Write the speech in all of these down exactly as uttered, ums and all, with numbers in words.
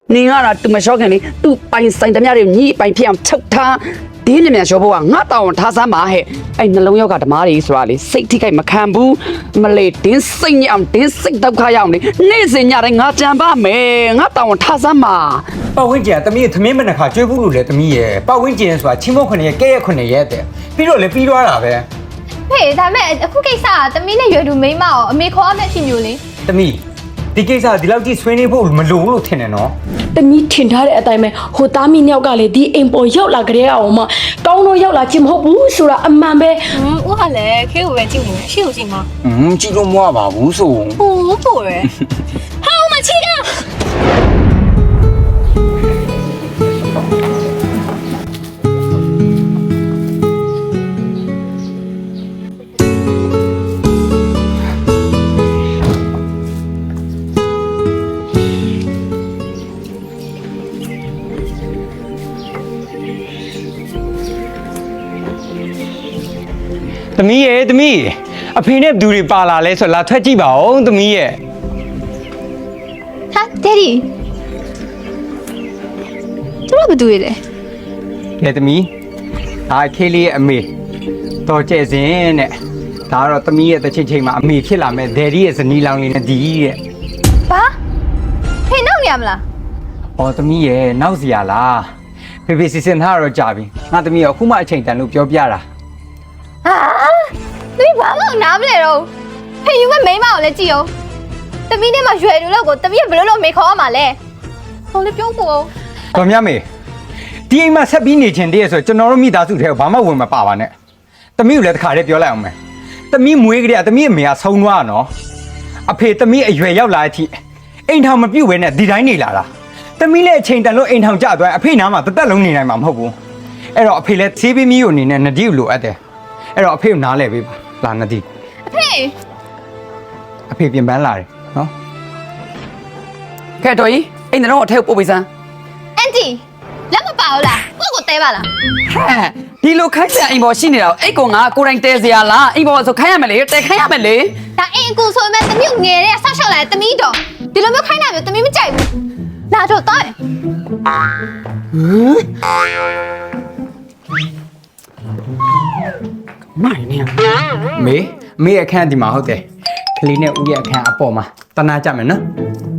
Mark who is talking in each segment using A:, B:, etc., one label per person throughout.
A: 你俺那都没少看的，都把你生的面的你把片抽他，第二面小宝啊，我当他三马嘿，哎，那老要干的嘛的说的，身体个没看不，没来顶生样，顶生都开样的，那是人家的我讲吧没，我当他三马。
B: ပတ်ဝန်းကျင်ကတမီးသမင်းမနှခါကျွေးဘူးလို့လေတမီးရဲ့ပတ်ဝန်းကျင်ဆိုတာချင်းမခွနဲ့ရဲ့ကဲရခွနဲ့ရဲ့တဲ့ပြီးတော့လေပြီးသွားတာပဲ
C: ဟေးဒါမဲ့အခုကိစ္စကတမီးနဲ့ရွယ်သူမိန်းမအောင်အမေခေါ်ရမယ့်အဖြစ်မျိုးလေ
B: တမီးဒီကိစ္စဒီလောက်ကြီးဆွေးနွေးဖို့မလိုဘူးလို့ထင်တယ်နော်
D: တမီးထင်ထားတဲ့အတိုင်းပဲဟိုသားမီးနှစ်ယောက်ကလေဒီအိမ်ပေါ်ရောက်လာကြတဲ့အောင်မကောင်းတော့ရောက်လာခြင်းမဟုတ်ဘူးဆိုတာအမှန်ပဲ
E: 嗯，我还来开个玩具呢，是有劲吗？
B: อืมကြည့်လို့မရပါဘူးဆို
E: 哦，不哎。好，我们去了。
B: သမီးရဲ့သမီးအဖေနဲ့ဘသူတွေပါလာလဲဆိုလာထွက်ကြည့်ပါဦးသမီးရဲ့
C: ဟာဒက်ဒီသူတို့ဘာတူရလဲ
B: ကဲသမီးဒါခေးလေးရဲ့အမေတော်ကျဲစင်တဲ့ဒါကတော့သမီးရဲ့တစ်ချိန်ချိန်မှာအမေဖြစ်လာမဲ့ဒယ်ဒီရဲ့ဇနီးလောင်လေးနဲ့ဒီတဲ့
C: ဘာဖေနောက်နေရမလား
B: ။အော်သမီးရဲ့နောက်စီရလား။ဖေဖေစီစဉ်ထားတော့ကြာပြီ။ငါသမီးရောအခုမှအချိန်တန်လို့ပြောပြတာ
C: ဟာသမီးဘာမှနားမလဲတော့ဖေယူမဲ့မိန်းမကိုလည်းကြည့်အောင်တမီးနဲ့မှရွယ်သူလောက်ကိုတမီးကဘယ်လိုလုပ်မေခေါ်ရမှာလဲဟိုလေပြုံးဖို့
B: ။တော်မြတ်မေဒီအိမ်မှာဆက်ပြီးနေချင်တဲ့ဆိုကျွန်တော်တို့မိသားစုထဲကိုဘာမှဝင်မပါပါနဲ့။သမီးကိုလည်းတစ်ခါတည်းပြောလိုက်အောင်မယ်။သမီးမွေးကလေးကသမီးအမေကဆုံးသွားတာနော်။အဖေသမီးအရွယ်ရောက်လာတဲ့အထိအိမ်ထောင်မပြုတ်ဘဲနဲ့ဒီတိုင်းနေလာတာ။သမီးလည်းအချိန်တန်လို့အိမ်ထောင်ကျသွားအဖေနားမှာတသက်လုံးနေနိုင်မှာမဟုတ်ဘူး။အဲ့တော့အဖေလည်းသေးပေးမီးကိုအနေနဲ့နဒီကိုလိုအပ်တယ်။အဲ့တော့အဖေကိုနားလဲပေးပါလာနဒီ
C: အဖေ
B: အဖေပြင်ပန်းလာတယ်နော်
A: 看到伊，哎，那让我睇不卫生。
C: အန်တီလက်မပါဘူးလားကိုယ့်ကိုတဲပါလား
A: 嗨，ဒီလိုခိုင်းစရာအိမ်ပေါ်ရှိနေတော့အိတ်ကောင်ကကိုယ်တိုင်တဲစရာလားအိမ်ပေါ်ဆိုခိုင်းရမယ်လေတဲခိုင်းရမယ်လေ
C: ဒါအိမ်အကူဆိုပေမဲ့တမီးကိုငယ်တဲ့ဆောက်ရှောက်လာတဲ့တမီးတော့ဒီလိုမျိုးခိုင်းတာမျိုးတမီးမကြိုက်ဘူးလာတော့တော့
A: မိုင်းနေ
B: မေမေအခန်းဒီမှာဟုတ်တယ်ကလေးနဲ့ဦးရဲ့အခန်းအပေါ်မှာတနာကြမယ်နော်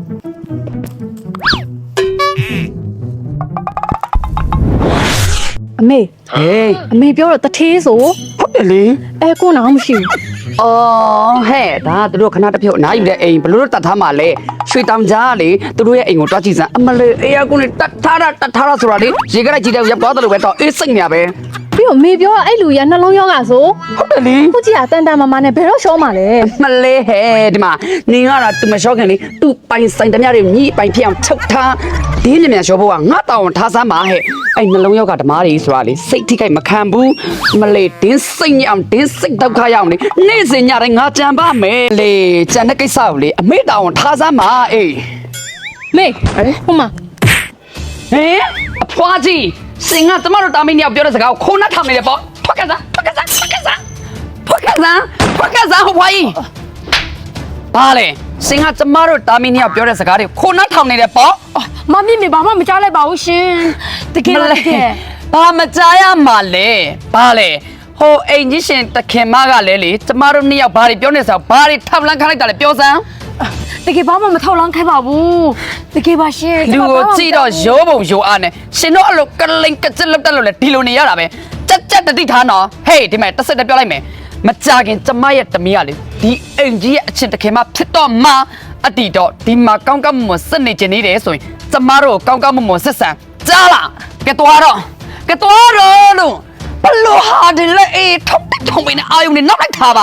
D: အမေ
A: ဟေး
D: အမေပြောတော့တထေးဆို
A: ဟုတ်တယ်လေ
D: အဲကိုနာမရှိဘူး
A: အော်ဟဲ့ဒါသူတို့ခဏတစ်ဖြုတ်အနားယူတဲ့အိမ်ဘလို့တတ်ထားမှလဲရွှေတောင်ကြားလေသူတို့ရဲ့အိမ်ကိုတွားကြည့်စမ်းအမလေးအေးအကူနဲ့တတ်ထားတာတတ်ထားတာဆိုတာလေရေကလိုက်ကြည့်တဲ့ရပ်သွားတယ်လို့ပဲတော့အေးစိတ်နေရပဲ
D: ပြီးတော့မေပြောအဲ့လူရနှလုံးရောဂါဆို
A: ဟုတ်တယ်လေ
D: ခုကြည့်ရတန်တန်မမနဲ့ဘယ်တော့ရှောမှာလဲ
A: မလေးဟဲ့ဒီမှာနင်ကတော့သူမလျှော့ခင်လေသူပိုင်ဆိုင်တမျှတွေညီပိုင်ဖြစ်အောင်ချုပ်ထားဒီမြန်မြန်လျှော့ဖို့ကငါတောင်းထားစမ်းပါဟဲ့အဲ့နှလုံးရောက်ကဓမားတွေဆိုတာလေစိတ်ထိခိုက်မခံဘူးမလေးတင်းစိတ်ညအောင်တင်းစိတ်ဒုက္ခရောက်လေနေ့စဉ်ညတိုင်းငါကြံပါမယ်လေကြံတဲ့ကိစ္စကိုလေအမေတောင်းထားစမ်းပါအေး
D: မေဟိုမှာ
A: ဟင်အဖွားကြီးစင်ကကျမတို့တာမင်းညောက်ပြောတဲ့စကားကိုခိုးနှက်ထားနေတယ်ပေါ့ထွက်ကစားထွက်ကစားထွက်ကစားထွက်ကစားထွက်ကစားဟိုဖွားကြီးဘာလဲစင်ကကျမတို့တာမင်းညောက်ပြောတဲ့စကားတွေခိုးနှက်ထောင်နေတယ်ပေါ့
D: မမမေဘာမှမကြားလိုက်ပါဘူးရှင်တကယ်လားတကယ်
A: ဘာမကြားရမှာလဲဘာလဲဟိုအိမ်ကြီးရှင်တခင်မကလည်းလေကျမတို့နှစ်ယောက်ဘာတွေပြောနေစရာဘာတွေထောက်လန်းခလိုက်တာလဲပြောစမ်း
D: တကယ်ဘာမှမထောက်လောင်းခိုင်းပါဘူးတကယ်ပါရှင်
A: လူကိုကြည့်တော့ရိုးပုံရိုးအားနဲ့ရှင်တို့အဲ့လိုကလိန်ကကြက်လောက်တက်လို့လေဒီလိုနေရတာပဲကြက်ကြက်တတိထားနော်ဟေးဒီမဲ့တစ်စက်တည်းပြောလိုက်မယ်မကြခင်ကျမရဲ့တမီးကလေဒီအိမ်ကြီးရဲ့အချင်းတခင်မဖြစ်တော့မှအတီတော့ဒီမှာကောင်းကောင်းမွန်မွန်စစ်နေကြနေတယ်ဆိုရင်ကျမတို့ကောင်းကောင်းမွန်မွန်စစ်ဆန်ကြားလားကဲသွားတော့ကဲသွားတော့လို့ဘလို့ဟာဒီလေအေးထုံးထုံးမင်းအာယုန်နဲ့နောက်လိုက်ထားပါ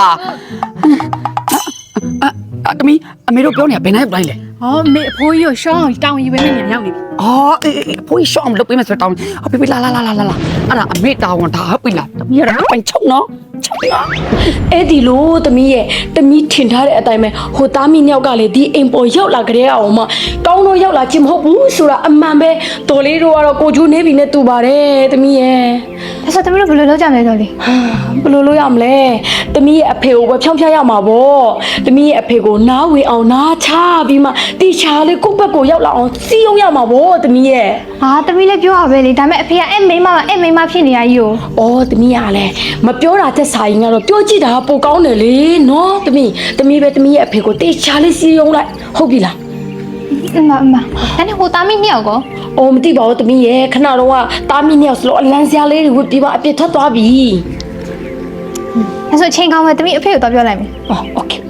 A: အတမီအမေတို့ပြောနေတာဘယ်နိုင်လိုက်လဲ
D: ဟောမေအဖိုးကြီးကိုရှောင်းအောင်တောင်းယူပဲနေနေရောက်နေပြီ
A: အော်အေးအေးအဖိုးရှောင်းလုပ်ပေးမယ်ဆိုတော့တောင်းဟောပြပြလာလာလာလာလာအဲ့ဒါအမေတောင်းတာဟုတ်ပြီလားတမီးရတော့ပိုင်ချုံနော်
D: အဲ့ဒီလိုသမီးရဲ့သမီးထင်ထားတဲ့အတိုင်းပဲဟိုသားမီးနှစ်ယောက်ကလေဒီအိမ်ပေါ်ရောက်လာကြတဲ့အောင်မကောင်းတော့ရောက်လာခြင်းမဟုတ်ဘူးဆိုတာအမှန်ပဲတော်လေးတို့ကတော့ကိုကျိုးနေပြီနဲ့တူပါတယ်သမီးရဲ့
C: ဒါဆိုသမီးတို့ဘယ်လိုလုပ်ကြမလဲတော်လေး
D: ဘယ်လိုလုပ်ရမလဲသမီးရဲ့အဖေကိုပဲဖြောင်းဖြားရမှာပေါ့သမီးရဲ့အဖေကိုနားဝေအောင်နားချပြီးမှတီချာလေးကိုယ့်ဘက်ကိုရောက်လာအောင်စီးအောင်ရမှာပေါ့သမီးရဲ့
C: ဟာသမီးလည်းပြောရပဲလေဒါပေမဲ့အဖေကအဲ့မိန်းမကအဲ့မိန်းမဖြစ်နေရကြီးကို
D: အော်သမီးကလည်းမပြောတာသက်စာရင်ကတော့ပြောကြည့်တာပိုကောင်းတယ်လေနော်သမီးသမီးပဲသမီးရဲ့အဖေကိုတီချာလေးစီးအောင်လိုက်ဟုတ်ပြီလား
C: အမအမဒါနဲ့ဟိုသားမီးနှစ်ယောက်ကော
D: အော်မသိပါဘူးသမီးရဲ့ခဏတော့ကတားမီနှစ်ယောက်စလို့အလန်းစရာလေးတွေဝတ်ပြီးမှအပြစ်ထွက်သွားပြီ
C: ဒါဆိုချိန်ကောင်းမယ်သမီးအဖေကိုတော့ပြောလိုက်မယ်
D: အော်โอเค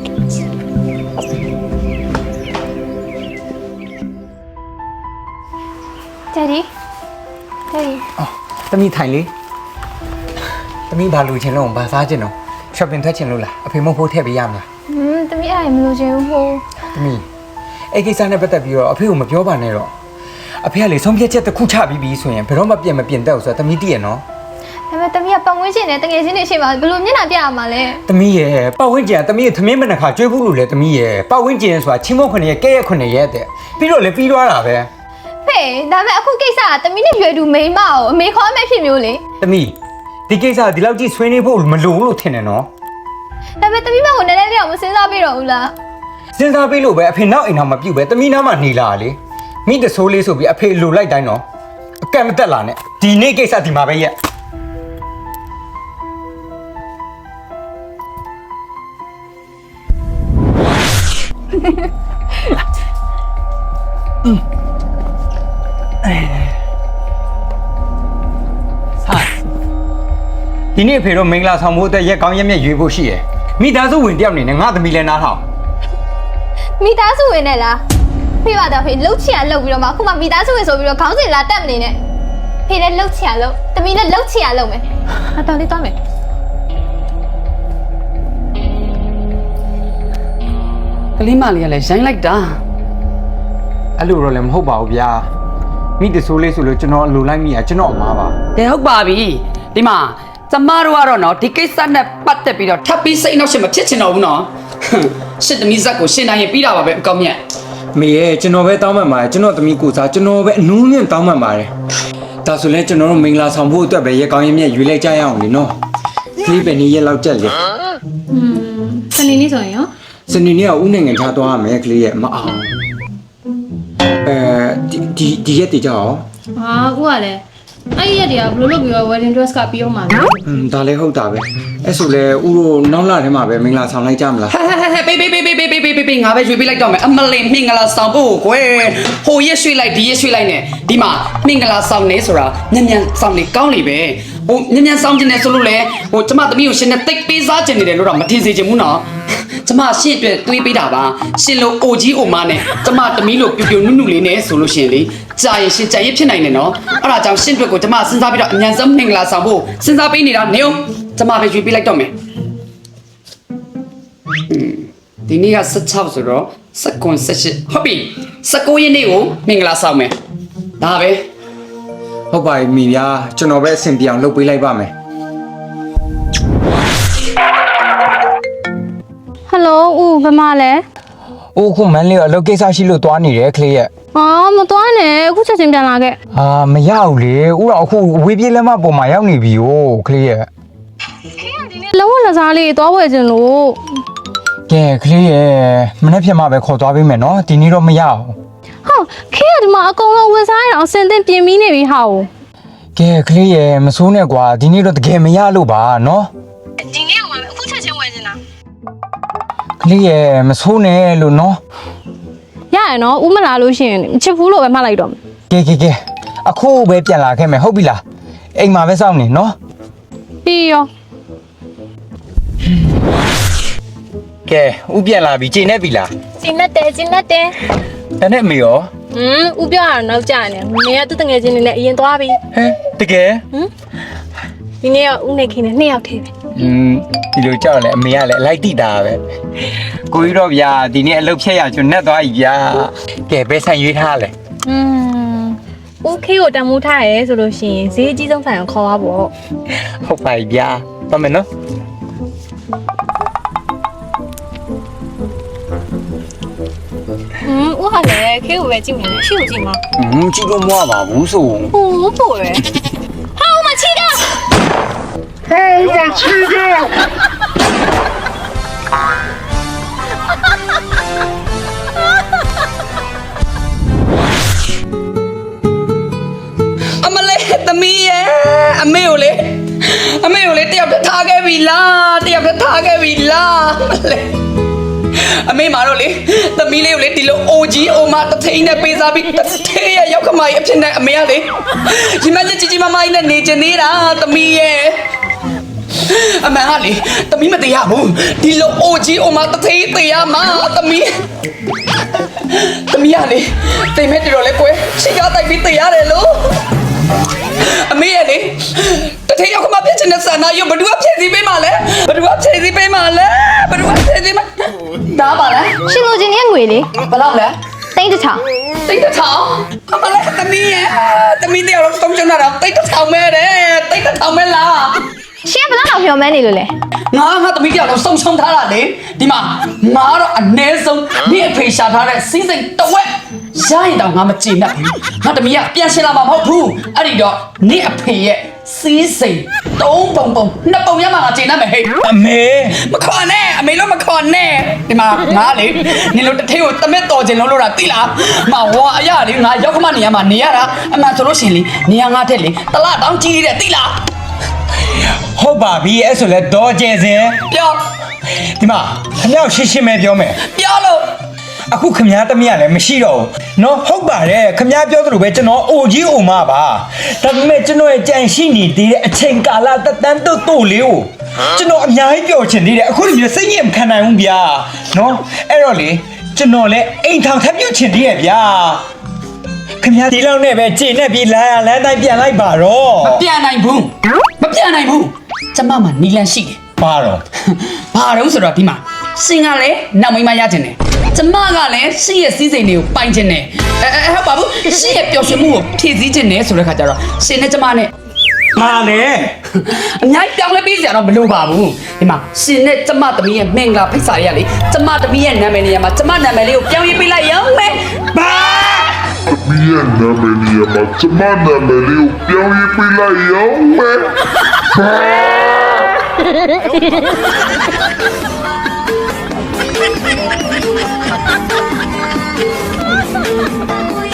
C: တယ်ဒီတယ်ဒီ
B: အော်သမီးထိုင်လေသမီးဘာလို့ချင်လို့ဘာစားချင်တော့ shopping ထွက်ချင်လို့လားအဖေမဟုတ်ဖို့ထည့်ပေးရမလား
C: ဟွန်းသမီးအဲ့ဒါမလို့ချင်ဘူးဟို
B: သမီးအဲ့ကိစ္စနဲ့ပတ်သက်ပြီးတော့အဖေကိုမပြောပါနဲ့တော့အဖေကလေဆုံးဖြတ်ချက်တစ်ခုချပြီးပြီဆိုရင်ဘယ်တော့မှပြင်မပြင်တတ်ဘူးဆိုတော့သမီးတည်ရနော်
C: ဒါပေမဲ့သမီးကပတ်ဝန်းကျင်နဲ့တကယ်ချင်းနေရှိမှာဘယ်လိုမျက်နှာပြရမှာလဲ
B: သမီးရဲ့ပတ်ဝန်းကျင်ကသမီးရဲ့သမင်းမနှခါကျွေးဘူးလို့လေသမီးရဲ့ပတ်ဝန်းကျင်ဆိုတာချင်းမုတ်ခွနဲ့ကဲရက်ခွနဲ့ရဲ့တဲ့ပြီးတော့လေပြီးသွားတာပဲ
C: ဖေဒါပေမဲ့အခုကိစ္စကသမီးနဲ့ရွယ်တူမိန်းမကိုအမေခေါ်အမေဖြစ်မျိုးလေ
B: သမီးဒီကိစ္စဒီလောက်ကြီးဆွေးနွေးဖို့မလိုဘူးလို့ထင်တယ်နော်
C: ဒါပေမဲ့သမီးမကိုနည်းနည်းလေးတော့မစဉ်းစားပြတော့ဘူးလား
B: စဉ်းစားပေးလို့ပဲအဖေနောက်အိမ်တော်မပြုတ်ပဲသမီးနားမှာနေလာလေမိတဆိုးလေးဆိုပြီးအဖေလိုလိုက်တိုင်းတော့အကန့်မတက်လာနဲ့ဒီနေ့ကိစ္စဒီမှာပဲရက် ဒီနေ့အဖေတို့မင်္ဂလာဆောင်ဖို့အတွက်ရက်ကောင်းရက်မြက်ရွေးဖို့ရှိရယ်မိသားစုဝင်တယောက်နေနဲ့ငါသမီးလည်းနားထောင်
C: မိသားစုဝင်နဲ့လားဖေပါတော့ဖေလှုပ်ချင်ရလှုပ်ပြီးတော့မှအခုမှမိသားစုဝင်ဆိုပြီးတော့ခေါင်းစဉ်လာတက်မနေနဲ့ဖေလည်းလှုပ်ချင်ရလှုပ်သမီးလည်းလှုပ်ချင်ရလှုပ်မယ်ဟာတော်လေးသွားမယ်
A: ကလေးမလေးကလည်းရိုင်းလိုက်တာ
B: အဲ့လိုတော့လည်းမဟုတ်ပါဘူးဗျာမိတဆိုးလေးဆိုလို့ကျွန်တော်အလိုလိုက်မိရကျွန်တော်အမားပါ
A: ကဲဟုတ်ပါပြီဒီမှာကျမတို့ကတော့နော်ဒီကိစ္စနဲ့ပတ်သက်ပြီးတော့ထပ်ပြီးစိတ်နှောက်ရှက်မဖြစ်ချင်တော့ဘူးနော်ရှစ်သမီးဇက်ကိုရှင်းတိုင်းရင်ပြီးတာပါပဲအကောင်းမြတ်
B: မေရဲ့ကျွန်တော်ပဲတောင်းပန်ပါတယ်ကျွန်တော်သမီးကိုစားကျွန်တော်ပဲအနူးမြင့်တောင်းပန်ပါတယ်ဒါဆိုလဲကျွန်တော်တို့မင်္ဂလာဆောင်ဖို့အတွက်ပဲရက်ကောင်းရက်မြက်ရွေးလိုက်ကြရအောင်လေနော်ကလေးပဲနေရက်လောက်ကြက်လေ
E: อืมစနေနေ့ဆိုရင်ရော
B: စနေနေ့ကဦးနိုင်ငံခြားသွားရမယ်ကလေးရဲ့မအောင်အဲဒီဒီဒီရက်တည်ကြအောင်
E: ဟာအခုကလည်းအဲ့ဒီရက်တည်းကဘယ်လိုလုပ်ပြီးတော့ wedding dress ကပြီးအောင်မှာလဲ
B: อืมဒါလည်းဟုတ်တာပဲအဲ့ဆိုလဲဦးတို့နောက်လာထဲမှာပဲမင်္ဂလာဆောင်လိုက်ကြမလား
A: ဟဲဟဲဟဲပေးပေးပေးပေးပေးပေးပေးပေးငါပဲရွေးပေးလိုက်တော့မယ်အမလင်မင်္ဂလာဆောင်ဖို့ကွယ်ဟိုရက်ရွှေ့လိုက်ဒီရက်ရွှေ့လိုက်နဲ့ဒီမှာမင်္ဂလာဆောင်နေဆိုတာညံ့ညံ့ဆောင်နေကောင်းလေပဲဟိုညံ့ညံ့ဆောင်ကျင်နေဆိုလို့လေဟိုကျမသမီးကိုရှင်နဲ့တိတ်ပေးစားကျင်နေတယ်လို့တော့မထင်စေချင်ဘူးနော်ကျမရှင့်အတွက်တွေးပေးတာပါရှင်လို့အိုကြီးအိုမနဲ့ကျမသမီးလို့ပြူပြူနုနုလေးနဲ့ဆိုလို့ရှင်လေကြာရင်ရှင်ကြာရင်ဖြစ်နိုင်တယ်နော်အဲ့ဒါကြောင့်ရှင့်အတွက်ကိုကျမစဉ်းစားပြီးတော့အញ្ញံဆုံးမင်္ဂလာဆောင်ဖို့စဉ်းစားပေးနေတာနေအောင်ကျမပဲရွေးပေးလိုက်တော့မယ်ဒီနေ့ကสิบหกဆိုတော့สิบเก้า สิบแปดဟုတ်ပြီสิบเก้าရက်နေ့ကိုမင်္ဂလာဆောင်မယ်ဒါပဲ
B: ဟုတ်ပါပြီမိဗျာကျွန်တော်ပဲအဆင်ပြေအောင်လုပ်ပေးလိုက်ပါမယ်
C: ဟယ်လိုဦးဘယ်မှာလဲ
B: အိုးခုမန်းလေးကအလုပ်ကိစ္စရှိလို့သွားနေတယ်ကလေးရဲ့
C: အော်မသွားနဲ့အခုချက်ချင်းပြန်လာခဲ့
B: အာမရဘူးလေဥတော့အခုဝေးပြေးလက်မပေါ်မှာရောက်နေပြီ哦ကလေးရဲ့
C: လုံးဝလက်စားလေးသွားဝယ်ခြင်းလို့
B: ကဲကလေးရဲ့မနေ့ဖြန်မှပဲခေါ်သွားပေးမယ်နော်ဒီနေ့တော့မရအောင်
C: ဟောခေကဒီမှာအကုန်လုံးဝယ်စားရအောင်အစင်တင်ပြင်ပြီးနေပြီဟာကို
B: ကဲကလေးရဲ့မစိုးနဲ့ကွာဒီနေ့တော့တကယ်မရလို့ပါနော်
E: ဒီနေ့အောင်ပါမယ်အခုချက်ချင်းဝယ်နေတာ
B: ကလေးရဲ့မစိုးနဲ့လို့နော်
C: ရရနော်ဦးမလာလို့ရှိရင်ချစ်ဖူးလို့ပဲမှတ်လိုက်တော့မယ်
B: ကဲကဲကဲအခုပဲပြန်လာခဲ့မယ်ဟုတ်ပြီလားအိမ်မှာပဲစောင့်နေနော်
C: ပြီးရော
B: ကဲဥပြန်လာပြီချိန်နေပြီလား
E: ကျင်းနဲ့တဲကျင်းနဲ့တဲ
B: တနေ့မေရော
E: อืมဥပြောရတော့နောက်ကျနေနေရသူတငယ်ချင်းနေနဲ့အရင်သွားပြီ
B: ဟဲတကယ်
E: ဒီနေ့ကဥနေခင်းနဲ့နှစ်ယောက်ထဲပဲ
B: อืมဒီလိုကြောက်လဲအမေကလည်းအလိုက်တိတာပဲကိုကြီးတော့ဗျာဒီနေ့အလုပ်ဖြတ်ရကျွန်တော်နဲ့သွားပြီဗျာကဲဘယ်ဆိုင်ရွေးထားလဲ
E: อืมဥခေကိုတန်မိုးထားရဲဆိုလို့ရှိရင်ဈေးအကြီးဆုံးဆိုင်ကိုခေါ်သွားပေါ့
B: ဟုတ်ပါပြီဗျာသွားမယ်နော်
E: ဟอืมဦးဟာလည်းခေကိုပဲကြည့်နေတယ်ရှေ့ကိုကြည့်မှာ
F: อืมကြည့်လို့မရပါဘူးဆို
E: ဟိုးပို့ရယ်ဟာဦးမချီတာ
A: အမလေးသမီးရဲ့အမေကိုလေအမေကိုလေတယောက်တည်းထားခဲ့ပြီလားတယောက်တည်းထားခဲ့ပြီလားအမလေးအမေမာတော့လေသမီးလေးကိုလေဒီလိုအိုကြီးအိုမတထိန်နဲ့ပေးစားပြီးတထေးရဲ့ရောက်ခမကြီးအဖြစ်နဲ့အမေကလေဒီမကြီးကြီးမမကြီးနဲ့နေချင်နေတာသမီးရဲ့အမေဟာလေသမီးမတရားဘူးဒီလိုအိုကြီးအိုမတထိန်သေးရမှာသမီးသမီးရလေတိမ်မဲ့တော်လေကွယ်ရှိကားတိုက်ပြီးသေးရတယ်လို့အမေရဲ့လေတထေးရောက်ခမပြချင်တဲ့ဆန္ဒရုပ်ဘယ်သူကဖြည့်ဆည်းပေးမှာလဲဘယ်သူကဖြည့်ဆည်းပေးမှာလဲဘယ်သူကဖြည့်ဆည်းမှာဒါပါလား
C: ရှင်လိုချင်တဲ့ငွေလေ
A: ဘယ်လောက်လဲ
C: တိတ်တစ်ချောင်း
A: တိတ်တစ်ထောင်အမလေးသမီးရဲ့သမီးတယောက်လုံးသုံးချင်တာတိတ်တစ်ထောင်မဲတဲ့တိတ်တစ်ထောင်မဲလား
C: ရှင်ကဘယ်လောက်မျှော်မှန်းနေလို့လဲ
A: ငါငါသမီးတယောက်လုံးစုံချုံထားတာလေဒီမှာငါတော့အ ਨੇ ဆုံးနေ့အဖေရှာထားတဲ့စီးစိမ်တဝက်ရရင်တော့ငါမကြည်နဲ့ဘူးငါသမီးကပြန်ရှင်းလာမှာမဟုတ်ဘူးအဲ့ဒီတော့နေ့အဖေရဲ့စီးစိမ်သုံးပုံပုံနှစ်ပုံရမှာငါကြည်နဲ့မယ်ဟဲ့
B: အမေ
A: မခေါ်နဲ့အမေလို့မခေါ်နဲ့ဒီမှာငါလေနင်တို့တထေးကိုတမက်တော်ခြင်းလုံးလို့တာသိလားမဝါအရာလေငါရောက်ခမနေရမှာနေရတာအမှန်ဆိုလို့ရှင်လေနေရငါတဲ့လေတလတောင်းကြီးတဲ့သိလား
B: ဟုတ်ပါပြီအဲ့ဆိုလဲတော့ကျဲစင်
A: ပြော
B: ဒီမှာခမရောက်ရှင်းရှင်းပဲပြောမယ်
A: ပြောလို့
B: အခုခမည်းသမီးကလည်းမရှိတော့ဘူးနော်ဟုတ်ပါတယ်ခမည်းပြောသလိုပဲကျွန်တော်အိုကြီးအိုမပါဒါပေမဲ့ကျွန်တော်ရဲ့ကြံရှိနေသေးတဲ့အချိန်ကာလတတန်းတို့တို့လေးကိုကျွန်တော်အများကြီးပြောချင်သေးတယ်အခုလိုမျိုးစိတ်ညစ်မခံနိုင်ဘူးဗျာနော်အဲ့တော့လေကျွန်တော်လည်းအိမ်ထောင်ထပ်ပြုတ်ချင်သေးရဲ့ဗျာခမည်းဒီလောက်နဲ့ပဲကြည်နဲ့ပြီးလာရလမ်းတိုင်းပြန်လိုက်ပါတော့
A: မပြန်နိုင်ဘူးမပြန်နိုင်ဘူးကျမမှနီလန်ရှိတယ်
B: ပါတော့
A: ဘာတော့ဆိုတော့ဒီမှာရှင်ကလည်းနောက်မိမရခြင်းတယ်ကျမကလည်းရှင့်ရဲ့စည်းစိမ်တွေကိုပိုင်ခြင်းတယ်အဲအဲဟုတ်ပါဘူးရှင့်ရဲ့ပျော်ရွှင်မှုကိုဖြည့်ဆည်းခြင်းတယ်ဆိုတဲ့ခါကျတော့ရှင်နဲ့ကျမနဲ့
B: မာလေ
A: အများကြီးပြောင်းလဲပေးစရာတော့မလိုပါဘူးဒီမှာရှင်နဲ့ကျမသမီးရဲ့မင်္ဂလာဖိတ်စာရရလေကျမသမီးရဲ့နာမည်နေရာမှာကျမနာမည်လေးကိုပြောင်းရေးပေးလိုက်ရောမယ်ဘာ
G: မီးရဲ့နာမည်နေရာမှာကျမနာမည်လေးကိုပြောင်းရေးပေးလိုက်ရောမယ်ဘာ